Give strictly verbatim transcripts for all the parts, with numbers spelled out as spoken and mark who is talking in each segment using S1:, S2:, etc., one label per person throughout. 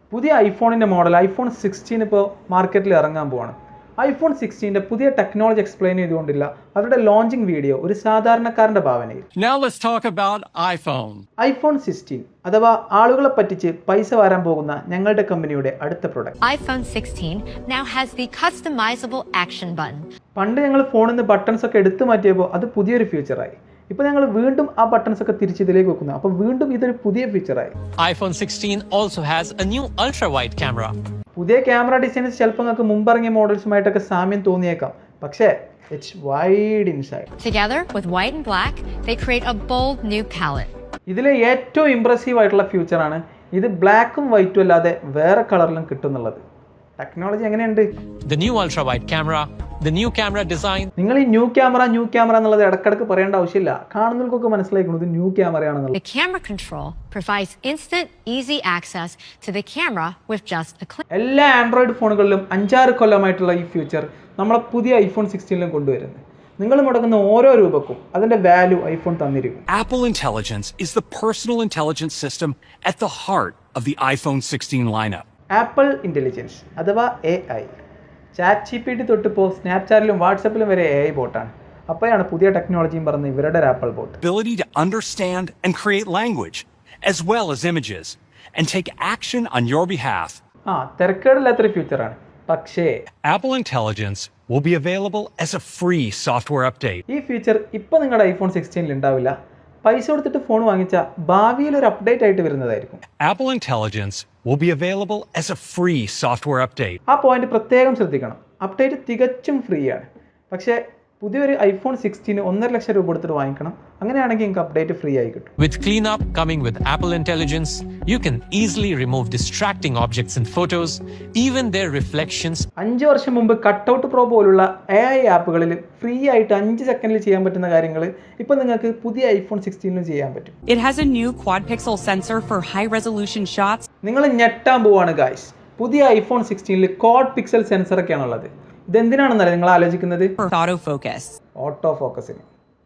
S1: പുതിയ ഐഫോണിൻ്റെ model iPhone sixteen ഇപ്പോൾ മാർക്കറ്റിൽ ഇറങ്ങാൻ പോവാണ്. ഐഫോൺ സിക്സ്റ്റീൻ്റെ പുതിയ ടെക്നോളജി എക്സ്പ്ലെയിൻ ചെയ്തുകൊണ്ടില്ല അവരുടെ ലോഞ്ചിങ് വീഡിയോ ഒരു സാധാരണക്കാരന്റെ ഭാവനയിൽ.
S2: Now let's talk about iPhone.
S1: IPhone sixteen അഥവാ ആളുകളെ പറ്റിച്ച് പൈസ വാരാൻ പോകുന്ന ഞങ്ങളുടെ കമ്പനിയുടെ അടുത്ത product
S3: iPhone sixteen now has the customizable action button.
S1: പണ്ട് ഞങ്ങൾ ഫോണിൽ നിന്ന് ബട്ടൺസ് ഒക്കെ എടുത്തു മാറ്റിയപ്പോൾ അത് പുതിയൊരു ഫീച്ചറായി. ഇപ്പോൾ ഞങ്ങൾ വീണ്ടും ആ ബട്ടൺസ് ഒക്കെ തിരിച്ച് ഇതിലേക്ക് വെക്കുന്നു. അപ്പോൾ വീണ്ടും ഇതൊരു പുതിയ ഫീച്ചറായി.
S2: iPhone sixteen also has a new ultra-wide camera.
S1: പുതിയ ക്യാമറ ഡിസൈൻസ് ചിലപ്പോൾ നിങ്ങൾക്ക് മുമ്പിറങ്ങിയ മോഡൽസുമായിട്ടൊക്കെ സാമ്യം തോന്നിയേക്കാം, പക്ഷേ it's wide inside.
S3: Together with white and black, they create a bold new palette.
S1: ഇതിലെ ഏറ്റവും ഇംപ്രസീവ് ആയിട്ടുള്ള ഫീച്ചറാണ് ഇത് ബ്ലാക്കും വൈറ്റും അല്ലാതെ വേറെ കളറിലും കിട്ടുന്നുള്ളത്. ടെക്നോളജി എങ്ങനെയുണ്ട്?
S2: The new ultra-wide camera, the new camera design.
S1: നിങ്ങൾ ഈ ന്യൂ ക്യാമറ ന്യൂ ക്യാമറ എന്നുള്ളത് ഇടക്കിടക്ക് പറയേണ്ട ആവശ്യമില്ല. കാണുന്നവർക്കൊക്കെ മനസ്സിലാക്കുന്നത് ന്യൂ ക്യാമറയാണെന്നുള്ളത്.
S3: The camera control provides instant, easy access to the camera with just a click.
S1: എല്ലാ ആൻഡ്രോയിഡ് ഫോണുകളിലും അഞ്ചാറ് കൊല്ലമായിട്ടുള്ള ഈ ഫീച്ചർ നമ്മളെ പുതിയ ഐഫോൺ സിക്സ്റ്റീനിലും കൊണ്ടുവരുന്നത്. നിങ്ങൾ മുടക്കുന്ന ഓരോ രൂപക്കും അതിന്റെ വാല്യൂ ഐഫോൺ തന്നിരിക്കും.
S4: Apple Intelligence is the personal intelligence system at the heart of the iPhone sixteen lineup.
S1: Apple intelligence അഥവാ A I. Chat G P T തൊട്ടിപ്പോൾ സ്നാപ്ചാറ്റിലും വാട്സപ്പിലും വരെ എ ഐ ബോട്ടാണ്. അപ്പോഴാണ് പുതിയ ടെക്നോളജിയും പറഞ്ഞ് ഇവരുടെ Apple bot.
S4: Ability to understand and create language as well as images and take action on your behalf.
S1: ആ തിരക്കേടില്ലാത്തൊരു ഫ്യൂച്ചറാണ്. പക്ഷേ
S4: Apple Intelligence will be available as a free software update.
S1: ഈ ഫീച്ചർ ഇപ്പോൾ നിങ്ങളുടെ ഐഫോൺ സിക്സ്റ്റീനിൽ ഉണ്ടാവില്ല. പൈസ കൊടുത്തിട്ട് ഫോൺ വാങ്ങിച്ച ഭാവിയിൽ ഒരു അപ്ഡേറ്റ് ആയിട്ട് വരുന്നതായിരിക്കും.
S4: Apple Intelligence will be available as a free software update.
S1: ആ പോയിന്റ് പ്രത്യേകം ശ്രദ്ധിക്കണം. അപ്ഡേറ്റ് തികച്ചും ഫ്രീ ആണ്. പക്ഷേ പുതിയൊരു ഐഫോൺ സിക്സ്റ്റീന് ഒന്നര ലക്ഷം രൂപ കൊടുത്തിട്ട് വാങ്ങിക്കണം. അങ്ങനെയാണെങ്കിൽ നിങ്ങൾക്ക് അപ്ഡേറ്റ് ഫ്രീ ആയി കിട്ടും.
S2: With cleanup coming with Apple Intelligence, you can easily remove distracting objects in photos, even their reflections.
S1: അഞ്ച് വർഷം മുമ്പ് കട്ടൗട്ട് പ്രോ പോലുള്ള എ ഐ ആപ്പുകളിൽ ഫ്രീ ആയിട്ട് അഞ്ച് സെക്കൻഡിൽ ചെയ്യാൻ പറ്റുന്ന കാര്യങ്ങൾ ഇപ്പോൾ നിങ്ങൾക്ക് പുതിയ ഐഫോൺ സിക്സ്റ്റീനിലും ചെയ്യാൻ പറ്റും.
S5: It has a new quad pixel sensor for high resolution shots.
S1: നിങ്ങൾ ഞെട്ടാൻ പോവാണ് ഗായ്സ്. പുതിയ ഐഫോൺ സിക്സ്റ്റീനിൽ ക്വാഡ് പിക്സൽ സെൻസർ ഒക്കെയാണ് ഉള്ളത്. ഇതെന്തിനാണെന്നല്ലേ നിങ്ങൾ ആലോചിക്കുന്നത്?
S5: Autofocus.
S1: ഓട്ടോ ഫോക്കസിന്.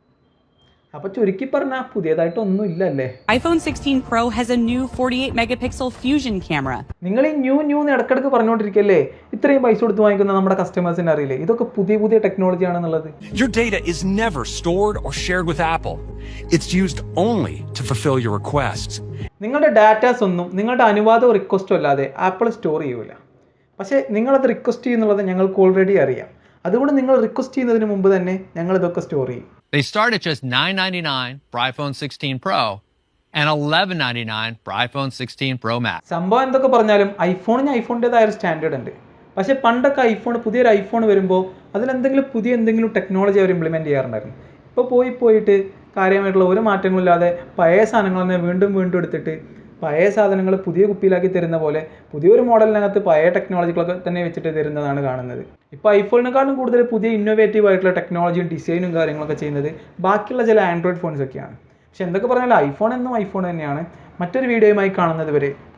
S1: അപ്പൊ ചുരുക്കി പറഞ്ഞാൽ പുതിയതായിട്ടൊന്നും ഇല്ലല്ലേ.
S5: iPhone sixteen Pro has a new forty-eight megapixel fusion camera.
S1: നിങ്ങൾ ഈ ന്യൂ ന്യൂ ഇടക്കിടക്ക് പറഞ്ഞുകൊണ്ടിരിക്കല്ലേ, ഇത്രയും പൈസ കൊടുത്ത് വാങ്ങിക്കുന്ന നമ്മുടെ കസ്റ്റമേഴ്സിന് അറിയില്ലേ ഇതൊക്കെ പുതിയ പുതിയ ടെക്നോളജി ആണെന്നുള്ളത്.
S4: Your data is never stored or shared with Apple. It's used only to fulfill your requests.
S1: നിങ്ങളുടെ ഡാറ്റാസ് ഒന്നും നിങ്ങളുടെ അനുവാദവും റിക്വസ്റ്റോ അല്ലാതെ ആപ്പിൾ സ്റ്റോർ ചെയ്യൂല. പക്ഷേ നിങ്ങളത് റിക്വസ്റ്റ് ചെയ്യുന്നുള്ളത് ഞങ്ങൾക്ക് ഓൾറെഡി അറിയാം. അതുകൊണ്ട് നിങ്ങൾ റിക്വസ്റ്റ് ചെയ്യുന്നതിന് മുമ്പ് തന്നെ ഞങ്ങൾ ഇതൊക്കെ സ്റ്റോർ ചെയ്യും.
S6: They start at just nine ninety-nine for iPhone sixteen Pro and eleven ninety-nine for iPhone sixteen Pro Max.
S1: സംഭവം എന്തൊക്കെ പറഞ്ഞാലും ഐഫോണിന് ഐഫോണിൻ്റെതായ ഒരു സ്റ്റാൻഡേർഡ് ഉണ്ട്. പക്ഷേ പണ്ടൊക്കെ ഐഫോൺ പുതിയൊരു ഐഫോൺ വരുമ്പോൾ അതിലെന്തെങ്കിലും പുതിയ എന്തെങ്കിലും ടെക്നോളജി അവർ ഇംപ്ലിമെൻറ്റ് ചെയ്യാറുണ്ടായിരുന്നു. ഇപ്പോൾ പോയി പോയിട്ട് കാര്യമായിട്ടുള്ള ഒരു മാറ്റങ്ങളില്ലാതെ പഴയ സാധനങ്ങൾ തന്നെ വീണ്ടും വീണ്ടും എടുത്തിട്ട് പഴയ സാധനങ്ങൾ പുതിയ കുപ്പിയിലാക്കി തരുന്ന പോലെ പുതിയൊരു മോഡലിനകത്ത് പഴയ ടെക്നോളജികളൊക്കെ തന്നെ വെച്ചിട്ട് തരുന്നതാണ് കാണുന്നത്. ഇപ്പോൾ ഐഫോണിനെക്കാളും കൂടുതൽ പുതിയ ഇന്നോവേറ്റീവ് ആയിട്ടുള്ള ടെക്നോളജിയും ഡിസൈനും കാര്യങ്ങളൊക്കെ ചെയ്യുന്നത് ബാക്കിയുള്ള ചില ആൻഡ്രോയിഡ് ഫോൺസൊക്കെയാണ്. പക്ഷെ എന്തൊക്കെ പറഞ്ഞാലും ഐഫോൺ എന്നും ഐഫോൺ തന്നെയാണ്. മറ്റൊരു വീഡിയോയുമായി കാണുന്നത് വരെ